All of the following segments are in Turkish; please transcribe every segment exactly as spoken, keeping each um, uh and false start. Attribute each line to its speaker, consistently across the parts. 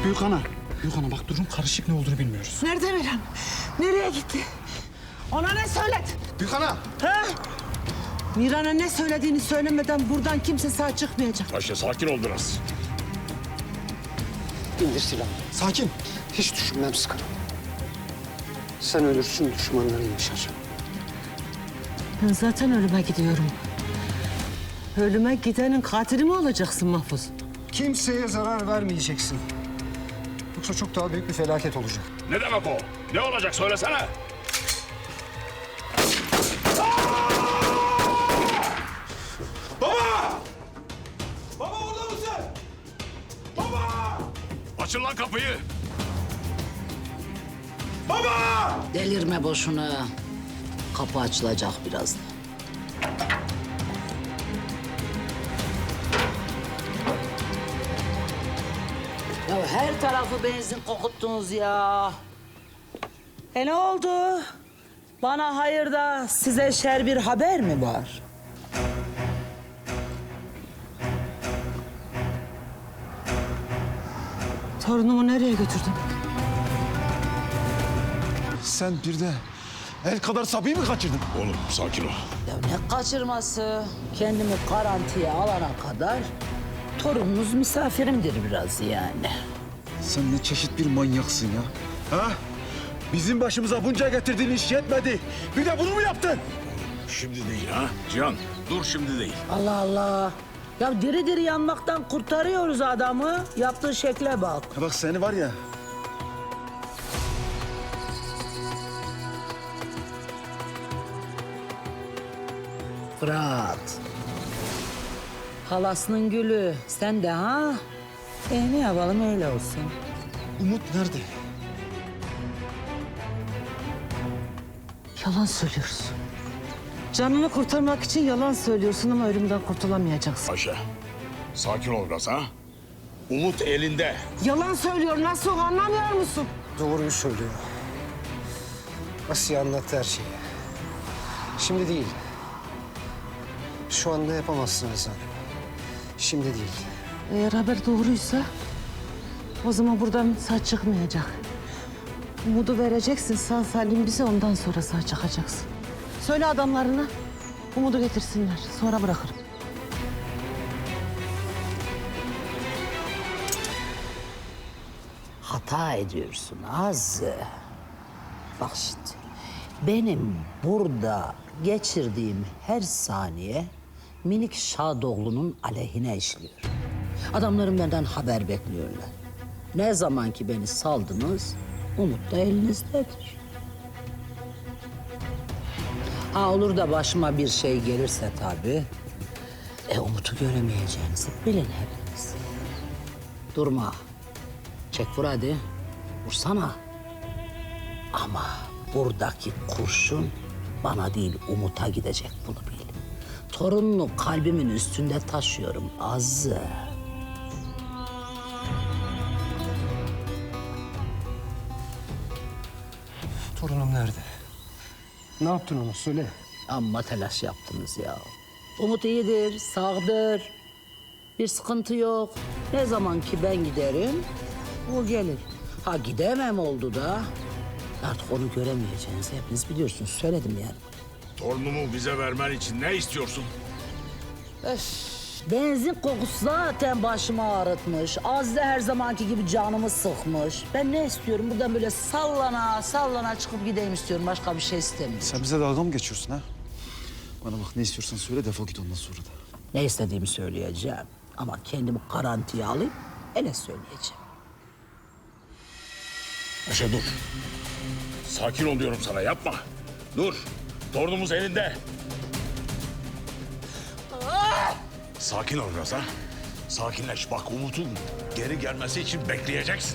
Speaker 1: Büyük ana. Büyük ana bak durum karışık, ne olduğunu bilmiyoruz.
Speaker 2: Nerede Miran? Nereye gitti? Ona ne söyledin?
Speaker 1: Büyük ana.
Speaker 2: Ha? Miran'a ne söylediğini söylemeden buradan kimse sağ çıkmayacak.
Speaker 3: Paşa sakin ol biraz.
Speaker 4: İndir silahını. Sakin. Hiç düşünmem sıkarım. Sen ölürsün, düşmanların yaşar.
Speaker 2: Ben zaten ölüme gidiyorum. Ölüme gidenin katili mi olacaksın Mahfuz?
Speaker 4: Kimseye zarar vermeyeceksin. Yoksa çok daha büyük bir felaket olacak.
Speaker 3: Ne demek o? Ne olacak söylesene.
Speaker 5: Baba! Baba orada mısın? Baba!
Speaker 3: Açın lan kapıyı.
Speaker 5: Baba!
Speaker 6: Delirme boşuna. Kapı açılacak birazdan. Ya her tarafı benzin kokuttunuz ya. E ne oldu? Bana hayırda size şer bir haber mi var?
Speaker 2: Torunumu nereye götürdün?
Speaker 5: Sen bir de el kadar Sabi'yi mi kaçırdın?
Speaker 3: Oğlum sakin ol.
Speaker 6: Ya ne kaçırması? Kendimi garantiye alana kadar torununuz misafirimdir biraz yani.
Speaker 5: Sen ne çeşit bir manyaksın ya. Ha? Bizim başımıza bunca getirdiğin iş yetmedi. Bir de bunu mu yaptın?
Speaker 3: Şimdi değil ha. Cihan dur, şimdi değil.
Speaker 6: Allah Allah. Ya diri diri yanmaktan kurtarıyoruz adamı. Yaptığı şekle bak.
Speaker 5: Ha bak seni var ya.
Speaker 6: Fırat. Halasının gülü. Sen de ha? E ne yapalım öyle olsun.
Speaker 5: Umut nerede?
Speaker 2: Yalan söylüyorsun. Canını kurtarmak için yalan söylüyorsun ama ölümden kurtulamayacaksın.
Speaker 3: Paşa sakin ol biraz ha. Umut elinde.
Speaker 2: Yalan söylüyor, nasıl anlamıyor musun?
Speaker 4: Doğruyu söylüyor. Asiye anlattı her şeyi. Şimdi değil. Şu anda yapamazsın Hasan. Şimdi değil.
Speaker 2: Eğer haber doğruysa o zaman buradan sağ çıkmayacak. Umudu vereceksin sağ salim bize, ondan sonra sağ çıkacaksın. Söyle adamlarına Umudu getirsinler, sonra bırakırım.
Speaker 6: Hata ediyorsun Azze. Bak şimdi. Benim burada geçirdiğim her saniye minik Şadoğlu'nun aleyhine işliyor. Adamlarım benden haber bekliyorlar. Ne zaman ki beni saldınız, Umut da elinizdedir. Ha olur da başıma bir şey gelirse tabii, e Umut'u göremeyeceğinizi bilin hepiniz. Durma. Çek vur hadi. Vursana. Ama buradaki kurşun bana değil Umut'a gidecek, bunu bil. Torununu kalbimin üstünde taşıyorum Azze.
Speaker 4: Torunum nerede? Ne yaptın ona söyle.
Speaker 6: Amma telaş yaptınız ya. Umut iyidir, sağdır. Bir sıkıntı yok. Ne zaman ki ben giderim, o gelir. Ha gidemem oldu da artık onu göremeyeceğinizi hepiniz biliyorsunuz. Söyledim yani.
Speaker 3: Torunumu bize vermen için ne istiyorsun?
Speaker 6: Öf, benzin kokusu zaten başımı ağrıtmış. Azze her zamanki gibi canımı sıkmış. Ben ne istiyorum? Buradan böyle sallana sallana çıkıp gideyim istiyorum. Başka bir şey istemiyorum.
Speaker 5: Sen bize dalga mı geçiyorsun ha? Bana bak, ne istiyorsan söyle, defol git ondan sonra da.
Speaker 6: Ne istediğimi söyleyeceğim. Ama kendimi garantiye alayım, hele söyleyeceğim.
Speaker 3: Paşa dur. Sakin ol diyorum sana, yapma. Dur. Torunumuz elinde. Sakin ol biraz ha. Sakinleş. Bak Umut'un geri gelmesi için bekleyeceksin.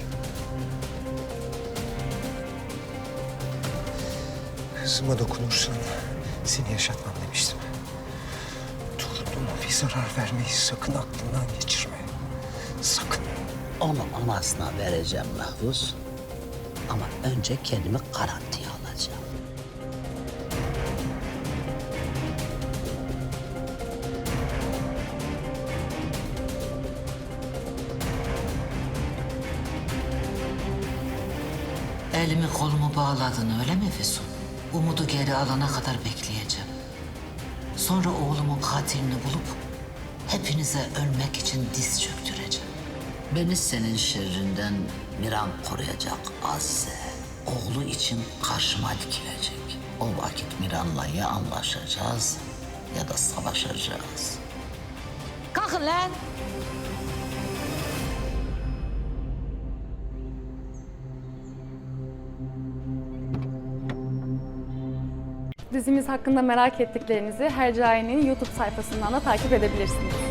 Speaker 4: Kızıma dokunursan seni yaşatmam demiştim. Torunuma bir zarar vermeyi sakın aklından geçirme. Sakın.
Speaker 6: Onun anasına vereceğim Mahfuz. Ama önce kendimi garantiye alacağım. Elimi kolumu bağladın öyle mi Füsun? Umut'u geri alana kadar bekleyeceğim. Sonra oğlumun katilini bulup hepinize ölmek için diz çöktüreceğim. Beni senin şerrinden Miran koruyacak Azize. Oğlu için karşıma dikilecek. O vakit Miran'la ya anlaşacağız ya da savaşacağız. Kalkın lan!
Speaker 7: Dizimiz hakkında merak ettiklerinizi Hercai'nin YouTube sayfasından da takip edebilirsiniz.